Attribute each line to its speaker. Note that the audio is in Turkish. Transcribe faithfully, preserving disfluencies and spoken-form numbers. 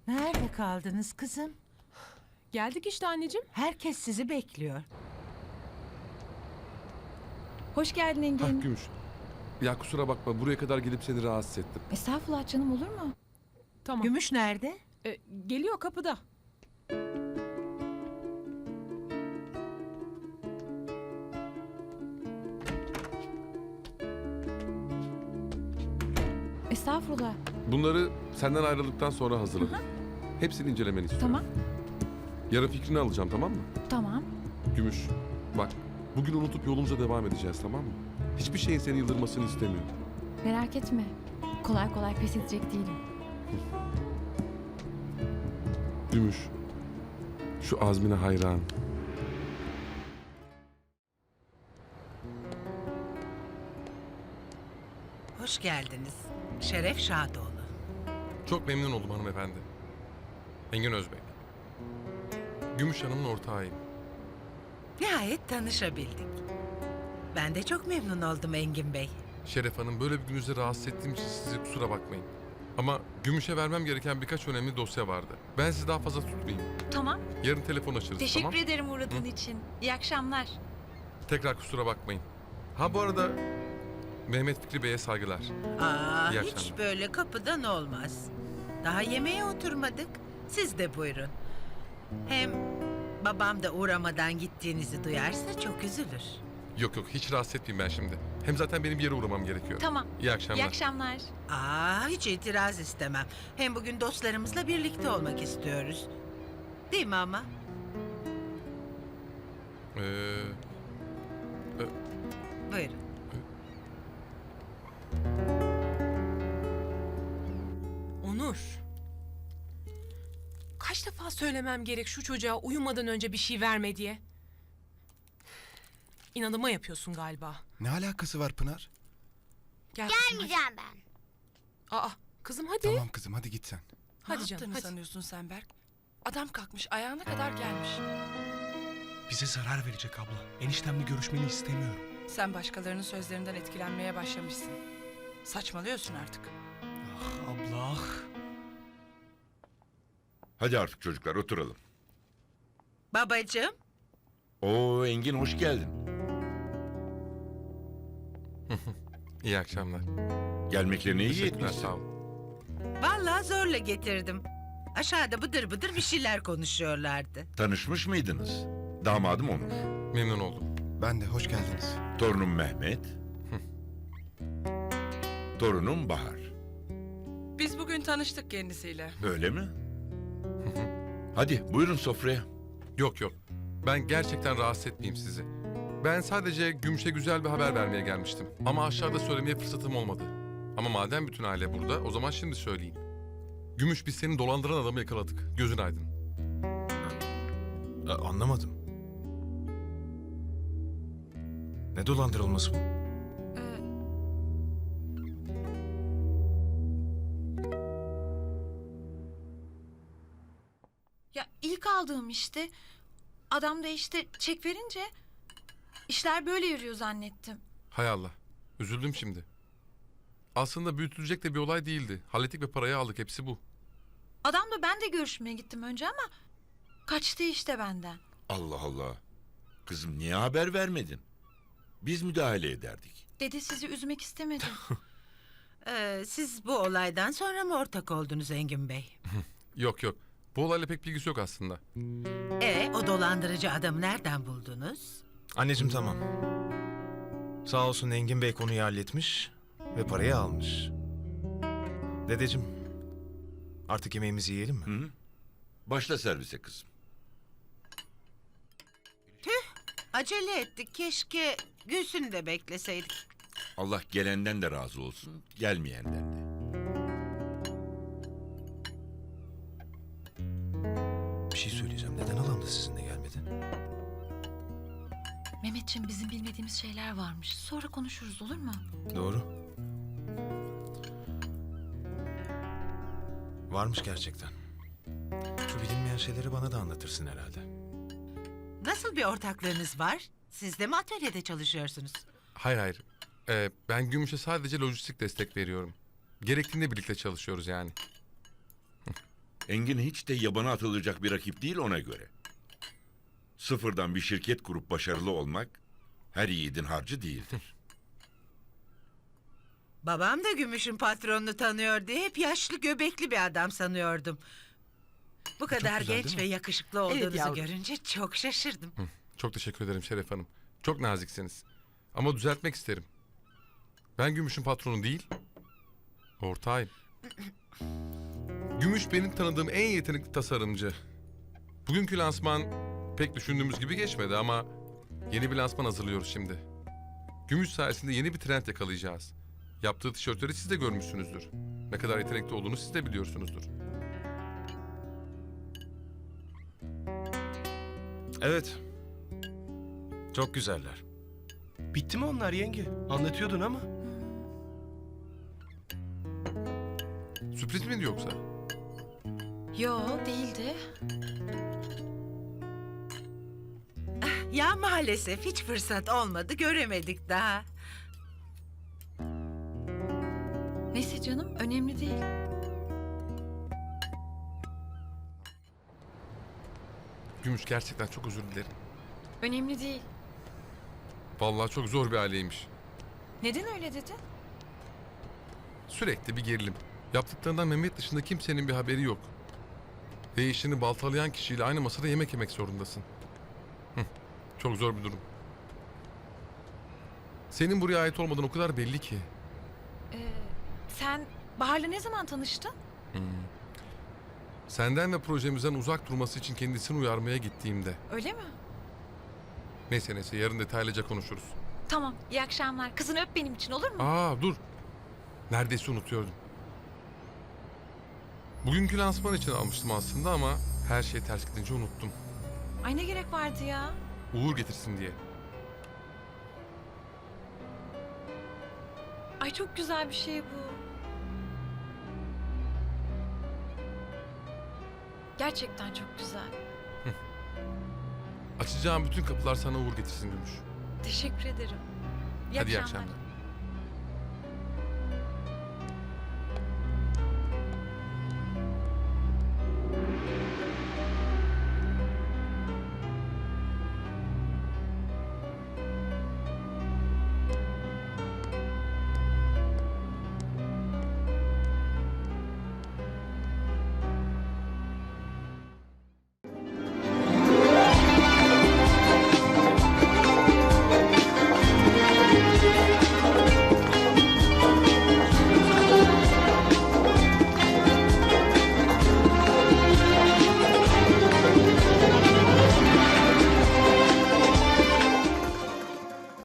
Speaker 1: Nerede kaldınız kızım?
Speaker 2: Geldik işte anneciğim.
Speaker 1: Herkes sizi bekliyor.
Speaker 3: Hoş geldin Engin.
Speaker 4: Hah Gümüş. Ya kusura bakma buraya kadar gelip seni rahatsız ettim.
Speaker 3: Estağfurullah canım, olur mu?
Speaker 2: Tamam.
Speaker 1: Gümüş nerede?
Speaker 2: Ee, geliyor kapıda.
Speaker 3: Estağfurullah.
Speaker 4: Bunları senden ayrıldıktan sonra hazırladım. Hepsini incelemeni istiyorum.
Speaker 3: Tamam.
Speaker 4: Yarın fikrini alacağım, tamam mı?
Speaker 3: Tamam.
Speaker 4: Gümüş, bak bugün unutup yolumuza devam edeceğiz, tamam mı? Hiçbir şeyin seni yıldırmasını istemiyorum.
Speaker 3: Merak etme. Kolay kolay pes edecek değilim.
Speaker 4: Gümüş, şu azmine hayran.
Speaker 1: Hoş geldiniz. Şeref Şadoğlu.
Speaker 5: Çok memnun oldum hanımefendi. Engin Özbek. Gümüş Hanım'ın ortağıyım.
Speaker 1: Nihayet tanışabildik. Ben de çok memnun oldum Engin Bey.
Speaker 5: Şeref Hanım, böyle bir gününüzde rahatsız ettiğim için size kusura bakmayın. Ama Gümüş'e vermem gereken birkaç önemli dosya vardı. Ben sizi daha fazla tutmayayım.
Speaker 6: Tamam.
Speaker 5: Yarın telefon açarız,
Speaker 6: Teşekkür
Speaker 5: tamam?
Speaker 6: ederim uğradığın için. İyi akşamlar.
Speaker 5: Tekrar kusura bakmayın. Ha bu arada Mehmet Fikri Bey'e saygılar.
Speaker 1: Aa,
Speaker 5: İyi
Speaker 1: hiç
Speaker 5: akşamlar.
Speaker 1: böyle kapıdan olmaz. Daha yemeğe oturmadık. Siz de buyurun. Hem babam da uğramadan gittiğinizi duyarsa çok üzülür.
Speaker 5: Yok yok, hiç rahatsız etmeyeyim ben şimdi. Hem zaten benim bir yere uğramam gerekiyor.
Speaker 6: Tamam.
Speaker 5: İyi akşamlar.
Speaker 6: İyi akşamlar.
Speaker 1: Aa, hiç itiraz istemem. Hem bugün dostlarımızla birlikte olmak istiyoruz. Değil mi ama?
Speaker 5: Ee,
Speaker 1: Buyurun.
Speaker 2: Onur. Kaç defa söylemem gerek şu çocuğa uyumadan önce bir şey verme diye. İnadıma yapıyorsun galiba.
Speaker 7: Ne alakası var Pınar?
Speaker 2: Gel kızım,
Speaker 8: Gelmeyeceğim ben.
Speaker 2: hadi. Aa, kızım hadi.
Speaker 7: Tamam kızım hadi git sen.
Speaker 2: Hadi
Speaker 9: Ne
Speaker 2: canım
Speaker 9: yaptığını
Speaker 2: hadi.
Speaker 9: sanıyorsun sen Berk? Adam kalkmış ayağına kadar gelmiş.
Speaker 10: Bize zarar verecek abla. Eniştemle görüşmeni istemiyorum.
Speaker 9: Sen başkalarının sözlerinden etkilenmeye başlamışsın. Saçmalıyorsun artık.
Speaker 10: Ah abla ah.
Speaker 11: Hadi artık çocuklar oturalım.
Speaker 1: Babacığım.
Speaker 11: Oo Engin hoş geldin.
Speaker 5: İyi akşamlar.
Speaker 11: Gelmeklerine iyi
Speaker 5: Teşekkürler,
Speaker 11: etmişsin.
Speaker 5: sağ ol.
Speaker 1: Vallahi zorla getirdim. Aşağıda bıdır bıdır bir şeyler konuşuyorlardı.
Speaker 11: Tanışmış mıydınız? Damadım Onur.
Speaker 5: Memnun oldum.
Speaker 7: Ben de hoş geldiniz.
Speaker 11: Torunum Mehmet. Torunum Bahar.
Speaker 9: Biz bugün tanıştık kendisiyle.
Speaker 11: Öyle mi? Hadi buyurun sofraya.
Speaker 5: Yok yok. Ben gerçekten rahatsız etmeyeyim sizi. Ben sadece Gümüş'e güzel bir haber vermeye gelmiştim. Ama aşağıda söylemeye fırsatım olmadı. Ama madem bütün aile burada, o zaman şimdi söyleyeyim. Gümüş, biz seni dolandıran adamı yakaladık. Gözün aydın.
Speaker 10: A- anlamadım. Ne dolandırılması bu?
Speaker 6: Ya ilk aldığım işte. Adam da işte çek verince işler böyle yürüyor zannettim.
Speaker 5: Hay Allah. Üzüldüm şimdi. Aslında büyütülecek de bir olay değildi. Hallettik ve parayı aldık. Hepsi bu.
Speaker 6: Adamla ben de görüşmeye gittim önce ama kaçtı işte benden.
Speaker 11: Allah Allah. Kızım niye haber vermedin? Biz müdahale ederdik.
Speaker 6: Dedi sizi üzmek istemedim.
Speaker 1: Ee, siz bu olaydan sonra mı ortak oldunuz Engin Bey?
Speaker 5: Yok yok. Bu olayla pek bilgisi yok aslında.
Speaker 1: E o dolandırıcı adamı nereden buldunuz?
Speaker 10: Anneciğim tamam. Sağ olsun Engin Bey konuyu halletmiş ve parayı almış. Dedeciğim, artık yemeğimizi yiyelim mi?
Speaker 11: Hı? Başla servise kızım.
Speaker 1: Acele ettik. Keşke Gülsün'ü de bekleseydik.
Speaker 11: Allah gelenden de razı olsun, gelmeyenden de.
Speaker 10: Bir şey söyleyeceğim. Neden halam da sizinle gelmedi?
Speaker 6: Mehmetciğim, bizim bilmediğimiz şeyler varmış. Sonra konuşuruz, olur mu?
Speaker 10: Doğru. Varmış gerçekten. Şu bilinmeyen şeyleri bana da anlatırsın herhalde.
Speaker 1: Nasıl bir ortaklığınız var? Siz de mi atölyede çalışıyorsunuz?
Speaker 5: Hayır hayır. Ee, ben Gümüş'e sadece lojistik destek veriyorum. Gerektiğinde birlikte çalışıyoruz yani.
Speaker 11: Engin hiç de yabana atılacak bir rakip değil ona göre. Sıfırdan bir şirket kurup başarılı olmak her yiğidin harcı değildir.
Speaker 1: Babam da Gümüş'ün patronunu tanıyor diye hep yaşlı göbekli bir adam sanıyordum. Bu kadar
Speaker 10: güzel,
Speaker 1: genç
Speaker 10: değil
Speaker 1: ve
Speaker 10: mi?
Speaker 1: yakışıklı olduğunuzu görünce çok şaşırdım.
Speaker 5: Hı, çok teşekkür ederim Şeref Hanım. Çok naziksiniz. Ama düzeltmek isterim. Ben Gümüş'ün patronu değil, ortağıyım. Gümüş benim tanıdığım en yetenekli tasarımcı. Bugünkü lansman pek düşündüğümüz gibi geçmedi ama yeni bir lansman hazırlıyoruz şimdi. Gümüş sayesinde yeni bir trend yakalayacağız. Yaptığı tişörtleri siz de görmüşsünüzdür. Ne kadar yetenekli olduğunu siz de biliyorsunuzdur.
Speaker 10: Evet. Çok güzeller.
Speaker 8: Bitti mi onlar yenge? Anlatıyordun ama.
Speaker 5: Sürpriz miydi yoksa?
Speaker 6: Yo değildi.
Speaker 1: Ya maalesef hiç fırsat olmadı, göremedik daha.
Speaker 6: Neyse canım önemli değil.
Speaker 5: Gümüş gerçekten çok özür dilerim.
Speaker 6: Önemli değil.
Speaker 5: Vallahi çok zor bir aileymiş.
Speaker 6: Neden öyle dedin?
Speaker 5: Sürekli bir gerilim. Yaptıklarından Mehmet dışında kimsenin bir haberi yok. Ve işini baltalayan kişiyle aynı masada yemek yemek zorundasın. Hı, çok zor bir durum. Senin buraya ait olmadan o kadar belli ki.
Speaker 6: Ee, sen Bahar'la ne zaman tanıştın?
Speaker 5: Senden ve projemizden uzak durması için kendisini uyarmaya gittiğimde.
Speaker 6: Öyle mi?
Speaker 5: Neyse neyse yarın detaylıca konuşuruz.
Speaker 6: Tamam iyi akşamlar. Kızını öp benim için olur mu?
Speaker 5: Aa dur. Neredeyse unutuyordum. Bugünkü lansman için almıştım aslında ama her şey ters gidince unuttum.
Speaker 6: Ay ne gerek vardı ya?
Speaker 5: Uğur getirsin diye.
Speaker 6: Ay çok güzel bir şey bu. Gerçekten çok güzel.
Speaker 5: Açacağım bütün kapılar sana uğur getirsin Gümüş.
Speaker 6: Teşekkür ederim. İyi
Speaker 5: Hadi iyi
Speaker 6: akşamlar.
Speaker 5: akşamlar.